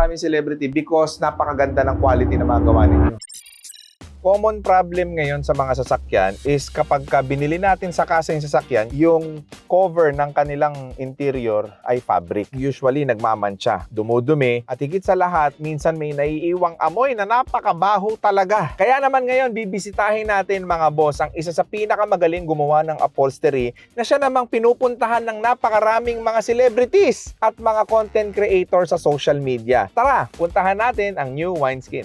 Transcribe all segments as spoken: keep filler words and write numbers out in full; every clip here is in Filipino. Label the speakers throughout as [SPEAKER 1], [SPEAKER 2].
[SPEAKER 1] maraming celebrity because napakaganda ng quality na mga gawa ninyo. Common problem ngayon sa mga sasakyan is kapag ka binili natin sa kasa yung sasakyan, yung cover ng kanilang interior ay fabric. Usually, nagmamantsa, dumudumi, at higit sa lahat, minsan may naiiwang amoy na napakabaho talaga. Kaya naman ngayon, bibisitahin natin mga boss ang isa sa pinakamagaling gumawa ng upholstery na siya namang pinupuntahan ng napakaraming mga celebrities at mga content creators sa social media. Tara, puntahan natin ang New Wineskin.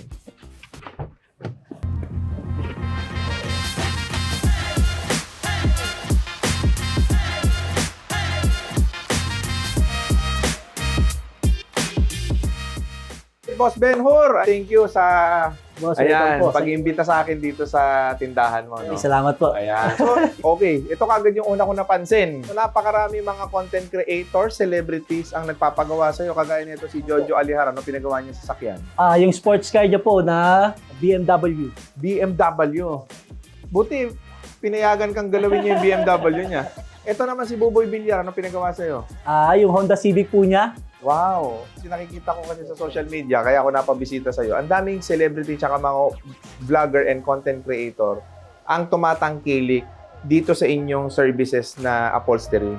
[SPEAKER 1] Boss Ben-Hur, thank you sa
[SPEAKER 2] Boss,
[SPEAKER 1] ayan,
[SPEAKER 2] po.
[SPEAKER 1] pag-iimbita sa akin dito sa tindahan mo. No?
[SPEAKER 2] Ay, salamat po.
[SPEAKER 1] Ayan. So, okay. Ito kagad yung una ko napansin. So, napakarami mga content creators, celebrities ang nagpapagawa sa'yo. Kagaya nito si Jojo Alihara, ano pinagawa niya sa sakyan?
[SPEAKER 2] Ah, yung sports car niya po na B M W.
[SPEAKER 1] B M W. Buti, pinayagan kang galawin niya yung B M W niya. Ito naman si Buboy Villar, ano pinagawa sa'yo?
[SPEAKER 2] Ah, yung Honda Civic po niya.
[SPEAKER 1] Wow! Kasi nakikita ko kasi sa social media, kaya ako napabisita sa'yo. Ang daming celebrity tsaka mga vlogger and content creator ang tumatangkilik dito sa inyong services na upholstery.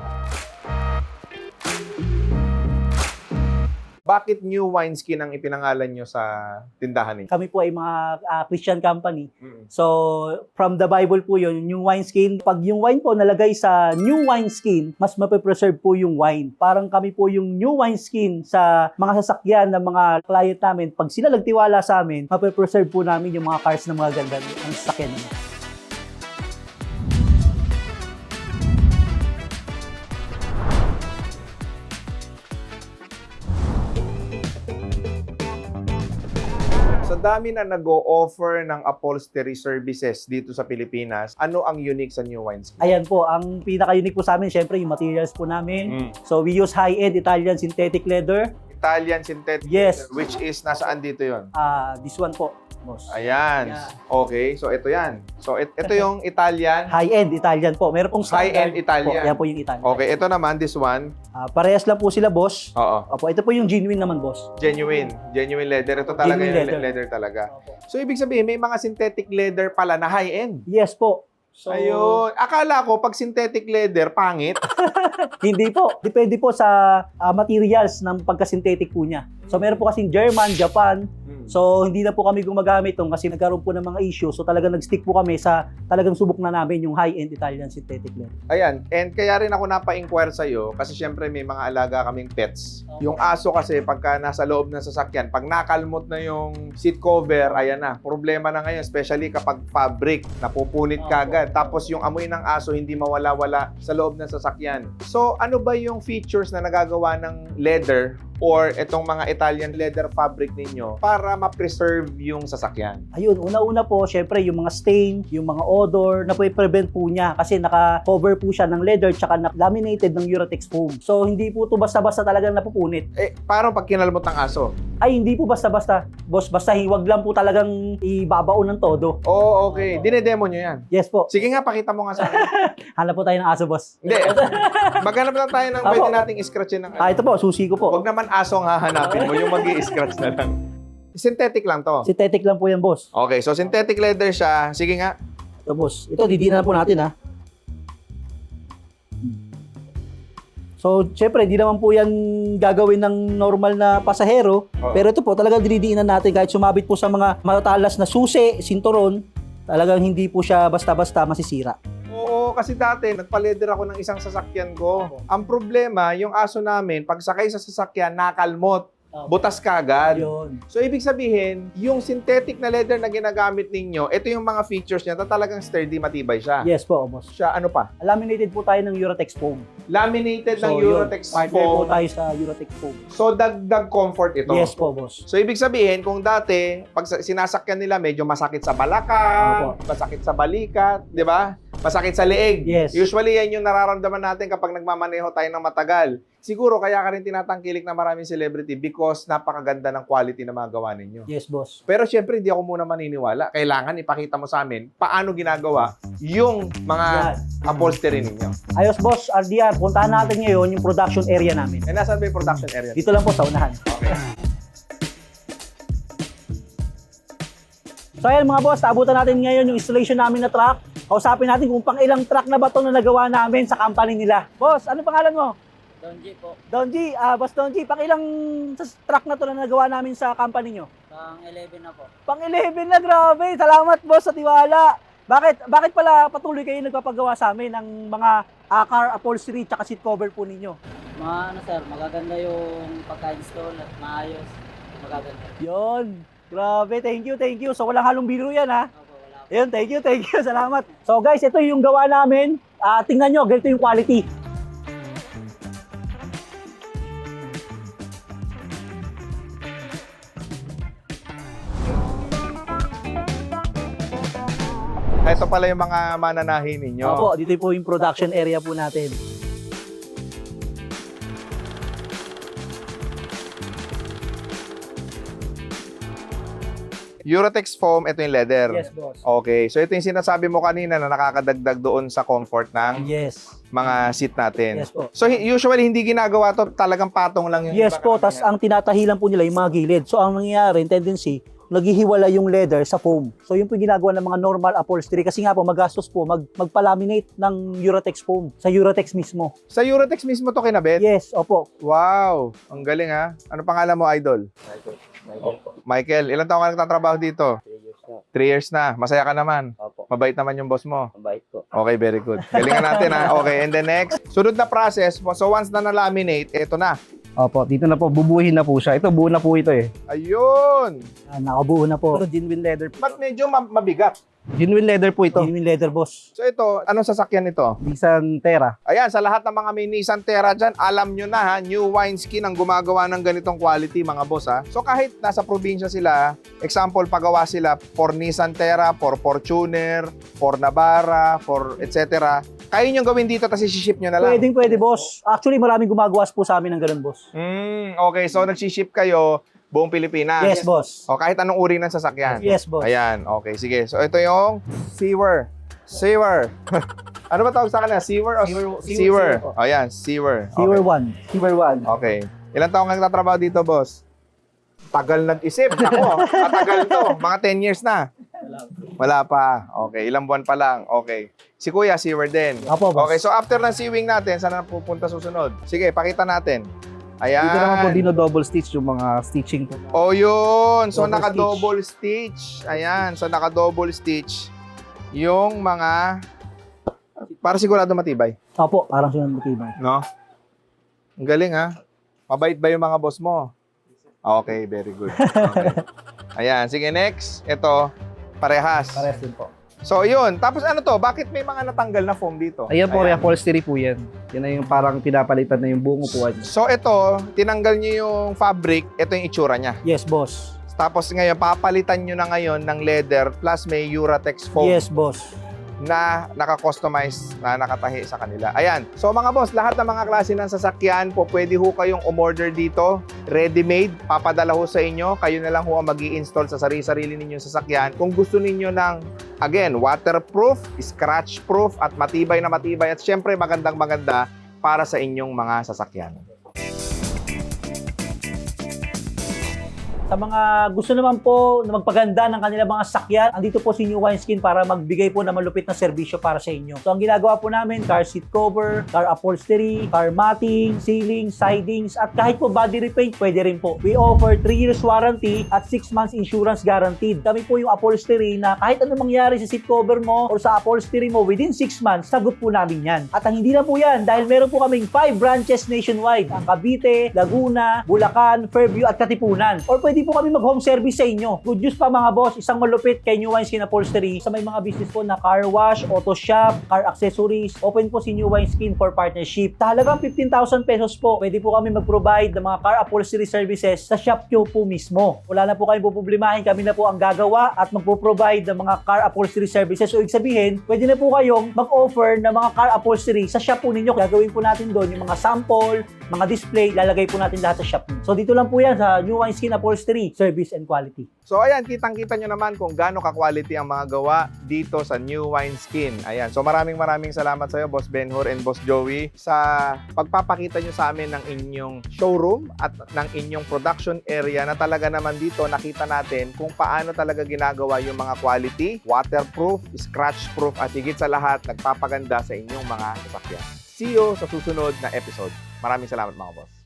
[SPEAKER 1] Bakit New Wineskin ang ipinangalan nyo sa tindahan niyo?
[SPEAKER 2] Kami po ay mga ah, Christian company.
[SPEAKER 1] Mm.
[SPEAKER 2] So, from the Bible po yun, yung New Wineskin. Pag yung wine po nalagay sa New Wineskin, mas mapipreserve po yung wine. Parang kami po yung New Wineskin sa mga sasakyan ng mga client namin. Pag sila nagtiwala sa amin, mapipreserve po namin yung mga cars na mga ganda ng sasakyan namin.
[SPEAKER 1] Sa dami na nag-o-offer ng upholstery services dito sa Pilipinas, ano ang unique sa New Wineskin?
[SPEAKER 2] Ayan po, ang pinaka-unique po sa amin, syempre yung materials po namin.
[SPEAKER 1] Mm.
[SPEAKER 2] So, we use high-end Italian synthetic leather.
[SPEAKER 1] Italian synthetic
[SPEAKER 2] Yes.
[SPEAKER 1] leather, which is nasaan dito yon?
[SPEAKER 2] Ah, this one po, boss.
[SPEAKER 1] Ayan.
[SPEAKER 2] Yeah.
[SPEAKER 1] Okay, so ito yan. So it, ito yung Italian.
[SPEAKER 2] High-end Italian po. Meron pong standard
[SPEAKER 1] High-end Italian.
[SPEAKER 2] Po. Yan po yung Italian.
[SPEAKER 1] Okay, ito naman, this one.
[SPEAKER 2] Ah, parehas lang po sila, boss.
[SPEAKER 1] Oo.
[SPEAKER 2] Opo, ito po yung genuine naman, boss.
[SPEAKER 1] Genuine. Genuine leather. Ito talaga
[SPEAKER 2] Genuine
[SPEAKER 1] yung
[SPEAKER 2] leather.
[SPEAKER 1] leather. talaga. So ibig sabihin, may mga synthetic leather pala na high-end.
[SPEAKER 2] Yes po. So,
[SPEAKER 1] Ayun. Akala ko, pag synthetic leather, pangit.
[SPEAKER 2] hindi po. Depende po sa ah, materials ng pagka-synthetic po niya. So, meron po kasing German, Japan.
[SPEAKER 1] Hmm.
[SPEAKER 2] So, hindi na po kami gumagamit tong kasi nagkaroon po ng mga issue. So, talagang nag-stick po kami sa talagang subok na namin yung high-end Italian synthetic leather.
[SPEAKER 1] Ayan. And kaya rin ako napa-inquire sa'yo kasi syempre may mga alaga kaming pets. Yung aso kasi pagka nasa loob ng sasakyan, pag nakalmot na yung seat cover, ayan na. Problema na ngayon, especially kapag fabric, napupunit ka agad. Tapos yung amoy ng aso hindi mawala-wala sa loob ng sasakyan. So ano ba yung features na nagagawa ng leather or itong mga Italian leather fabric ninyo para ma-preserve yung sasakyan?
[SPEAKER 2] Ayun, una-una po, syempre, yung mga stain, yung mga odor, na po i-prevent po niya kasi naka-cover po siya ng leather tsaka na-laminated ng Uratex foam. So, hindi po ito basta-basta talagang napupunit.
[SPEAKER 1] Eh, paano pag kinalmot ng aso?
[SPEAKER 2] Ay, hindi po basta-basta. Boss, basta hiwag lang po talagang ibabaon ng todo.
[SPEAKER 1] Oo, okay. Dinedemo nyo yan.
[SPEAKER 2] Yes po.
[SPEAKER 1] Sige nga, pakita mo nga sa akin.
[SPEAKER 2] Hanap po tayo ng aso, boss.
[SPEAKER 1] Hindi. Maghanap lang tayo ng
[SPEAKER 2] Apo.
[SPEAKER 1] pwede nating scratchin ng
[SPEAKER 2] Ah, ito po, susi ko po.
[SPEAKER 1] Huwag naman asong hahanapin mo, yung mag-i-scratch na lang. Synthetic lang to.
[SPEAKER 2] Synthetic lang po yan, boss.
[SPEAKER 1] Okay, so synthetic leather siya. Sige nga.
[SPEAKER 2] Ito, boss. Ito, didinan na po natin, ha. So, syempre, hindi naman po yan gagawin ng normal na pasahero.
[SPEAKER 1] Oo.
[SPEAKER 2] Pero ito po, talagang dinidiinan natin kahit sumabit po sa mga matatalas na susi, sinturon, talagang hindi po siya basta-basta masisira.
[SPEAKER 1] Oo, kasi dati, nagpa-leather ako ng isang sasakyan ko. Ang problema, yung aso namin, pag sakay sa sasakyan, nakalmot. Butas kagad.
[SPEAKER 2] Yun.
[SPEAKER 1] So, ibig sabihin, yung synthetic na leather na ginagamit ninyo, ito yung mga features niya na talagang sturdy, matibay siya.
[SPEAKER 2] Yes po, boss.
[SPEAKER 1] Siya, ano pa?
[SPEAKER 2] Laminated po tayo ng Uratex foam.
[SPEAKER 1] Laminated ng
[SPEAKER 2] yun,
[SPEAKER 1] Uratex
[SPEAKER 2] partner po
[SPEAKER 1] foam.
[SPEAKER 2] tayo sa Uratex foam.
[SPEAKER 1] So, dagdag comfort ito.
[SPEAKER 2] Yes po, boss.
[SPEAKER 1] So, ibig sabihin, kung dati, pag sa- sinasakyan nila, medyo masakit sa balakang, masakit sa balikat, di ba? Masakit sa leeg.
[SPEAKER 2] Yes.
[SPEAKER 1] Usually, yan yung nararamdaman natin kapag nagmamaneho tayo ng matagal. Siguro, kaya ka rin tinatangkilik ng maraming celebrity because napakaganda ng quality na mga gawa ninyo.
[SPEAKER 2] Yes, boss.
[SPEAKER 1] Pero syempre, hindi ako muna maniniwala. Kailangan ipakita mo sa amin paano ginagawa yung mga upholstery ninyo.
[SPEAKER 2] Ayos, boss. R D R, puntahan natin ngayon yung production area namin.
[SPEAKER 1] Eh, nasaan ba yung production area?
[SPEAKER 2] Dito lang po sa unahan.
[SPEAKER 1] Okay.
[SPEAKER 2] So ayan mga boss, naabutan natin ngayon yung installation namin na truck. Kausapin natin kung pang ilang truck na ba ito na nagawa namin sa company nila. Boss, ano pangalan mo?
[SPEAKER 3] Don G po.
[SPEAKER 2] Don G, ah, Boss Don G, pang ilang truck na ito na nagawa namin sa company nyo?
[SPEAKER 3] Pang eleven na po.
[SPEAKER 2] Pang eleven na, grabe. Salamat boss sa tiwala. Bakit bakit pala patuloy kayo nagpapagawa sa amin ng mga uh, car upholstery at seat cover po ninyo?
[SPEAKER 3] Mga ano sir, magaganda yung pagka-install at maayos. Magaganda.
[SPEAKER 2] Yon. Grabe, thank you, thank you. So walang halong biro yan ha.
[SPEAKER 3] Opo, wala po.
[SPEAKER 2] Ayun, thank you, thank you. Salamat. So guys, ito yung gawa namin. Ah, tingnan nyo, ganito yung quality.
[SPEAKER 1] Ito pala yung mga mananahin ninyo.
[SPEAKER 2] Opo, dito po yung production area po natin.
[SPEAKER 1] Eurotex foam, ito yung leather.
[SPEAKER 2] Yes, boss.
[SPEAKER 1] Okay, so ito yung sinasabi mo kanina na nakakadagdag doon sa comfort ng
[SPEAKER 2] Yes.
[SPEAKER 1] mga seat natin.
[SPEAKER 2] Yes po.
[SPEAKER 1] So hi- usually hindi ginagawa to, talagang patong lang yung
[SPEAKER 2] Yes
[SPEAKER 1] iba
[SPEAKER 2] po,
[SPEAKER 1] karamihan.
[SPEAKER 2] tas ang tinatahilan po nila yung mga gilid. So ang nangyayari, tendency, naghihiwala yung leather sa foam. So yun po yung ginagawa ng mga normal upholstery kasi nga po magastos po mag magpa-laminate ng Eurotex foam sa Eurotex mismo.
[SPEAKER 1] Sa Eurotex mismo to kinabit?
[SPEAKER 2] Yes, opo.
[SPEAKER 1] Wow, ang galing ha. Ano pangalan mo, idol?
[SPEAKER 3] Michael. Michael po.
[SPEAKER 1] Michael, ilang taon ka nagtatrabaho dito?
[SPEAKER 3] three years na.
[SPEAKER 1] Three years na. Masaya ka naman.
[SPEAKER 3] Opo.
[SPEAKER 1] Mabait naman yung boss mo.
[SPEAKER 3] Ang bait po.
[SPEAKER 1] Okay, very good. Galingan natin ha. Okay, and then next, sunod na process. So once na na-laminate, ito na.
[SPEAKER 4] Opo, dito na po, bubuhin na po siya. Ito, buo na po ito eh.
[SPEAKER 1] Ayun!
[SPEAKER 2] Ah, nakabuo na po.
[SPEAKER 4] Ito, genuine leather po.
[SPEAKER 1] Ba't medyo ma- mabigat?
[SPEAKER 4] Genuine leather po ito.
[SPEAKER 2] Genuine leather, boss.
[SPEAKER 1] So ito, anong sasakyan ito?
[SPEAKER 4] Nissan Terra.
[SPEAKER 1] Ayan, sa lahat ng mga may Nissan Terra dyan, alam nyo na ha, new wineskin ang gumagawa ng ganitong quality mga boss ha. So kahit nasa probinsya sila, example, pagawa sila for Nissan Terra, for Fortuner, for Navara, for et cetera. Kaya nyo gawin dito tapos i-ship nyo na lang.
[SPEAKER 2] Pwedeng pwede, boss. Actually, maraming gumagawas po sa amin ng ganun, boss.
[SPEAKER 1] Mm, okay, so nag-ship kayo buong Pilipinas.
[SPEAKER 2] Yes, boss.
[SPEAKER 1] O kahit anong uri ng sasakyan.
[SPEAKER 2] Yes, boss.
[SPEAKER 1] Ayan, okay, sige. So ito yung Seawer. Seawer. Ano ba tawag sa kanila? Seawer o
[SPEAKER 4] Seawer-
[SPEAKER 1] Seawer?
[SPEAKER 4] Seawer.
[SPEAKER 1] Ayan, Seawer.
[SPEAKER 2] Seawer
[SPEAKER 1] Okay.
[SPEAKER 2] one.
[SPEAKER 4] Silver one.
[SPEAKER 1] Okay. Ilang taong ka nagtatrabaho dito, boss? Tagal nag-isip. Ako, matagal to. Mga ten years na. Wala pa. Okay, ilang buwan pa lang. Okay. Si Kuya, seawer din.
[SPEAKER 2] Opo, boss.
[SPEAKER 1] Okay, so after ng sewing natin, saan na pupunta susunod? Sige, pakita natin. Ayan.
[SPEAKER 4] Dito naman po, dino double stitch yung mga stitching po.
[SPEAKER 1] Oh, yun. So,
[SPEAKER 2] Double
[SPEAKER 1] naka-double stitch. Ayan. So, naka-double stitch yung mga... Para sigurado matibay.
[SPEAKER 2] Opo, parang sinunod matibay.
[SPEAKER 1] No? Ang galing, ha? Mabait ba yung mga boss mo? Okay, very good. Okay. Ayan. Sige, next. Ito, parehas.
[SPEAKER 2] Parehas din po.
[SPEAKER 1] So, yun. Tapos ano to? Bakit may mga natanggal na foam dito?
[SPEAKER 4] Ayan po, reupholstery po yan. Yan na yung parang pinapalitan na yung buong upuan.
[SPEAKER 1] So, ito, tinanggal nyo yung fabric. Ito yung itsura niya.
[SPEAKER 2] Yes, boss.
[SPEAKER 1] Tapos ngayon, papalitan nyo na ngayon ng leather plus may Uratex foam
[SPEAKER 2] Yes, boss.
[SPEAKER 1] na naka-customize na nakatahi sa kanila. Ayan. So mga boss, lahat ng mga klase ng sasakyan po, pwede ho kayong umorder dito. Ready-made, papadala ho sa inyo. Kayo na lang ho ang mag-i-install sa sarili-sarili ninyong sasakyan. Kung gusto ninyo ng, again, waterproof, scratch-proof, at matibay na matibay, at syempre magandang maganda para sa inyong mga sasakyan.
[SPEAKER 2] Sa mga gusto naman po na magpaganda ng kanilang mga sakyan, andito po si New Wineskin para magbigay po ng malupit na serbisyo para sa inyo. So ang ginagawa po namin, car seat cover, car upholstery, car matting, ceiling, sidings, at kahit po body repaint, pwede rin po. We offer three years warranty at six months insurance guaranteed. Kami po yung upholstery na kahit ano mangyari sa seat cover mo or sa upholstery mo, within six months, sagot po namin yan. At ang hindi na po yan, dahil meron po kaming five branches nationwide. Ang Cavite, Laguna, Bulacan, Fairview, at Katipunan. Or pwede po kami mag-home service sa inyo. Good news pa mga boss, isang malupit kay New Wineskin Upholstery sa may mga business po na car wash, auto shop, car accessories. Open po si New Wineskin for partnership. Talagang fifteen thousand pesos po. Pwede po kami mag-provide ng mga car upholstery services sa shop nyo po mismo. Wala na po kayong puproblemahin. Kami na po ang gagawa at magpo-provide ng mga car upholstery services. So, ibig sabihin, pwede na po kayong mag-offer ng mga car upholstery sa shop po ninyo. Gagawin po natin doon yung mga sample, mga display, lalagay po natin lahat sa shop. So dito lang po yan sa New Wineskin Upholstery, service and quality.
[SPEAKER 1] So ayan, kitang-kita nyo naman kung gaano ka-quality ang mga gawa dito sa New Wineskin. Ayan, so maraming maraming salamat sa iyo, Boss Benhur and Boss Joey, sa pagpapakita nyo sa amin ng inyong showroom at ng inyong production area na talaga naman dito nakita natin kung paano talaga ginagawa yung mga quality, waterproof, scratch-proof at higit sa lahat, nagpapaganda sa inyong mga sasakyan. See you sa susunod na episode. Maraming salamat mga boss.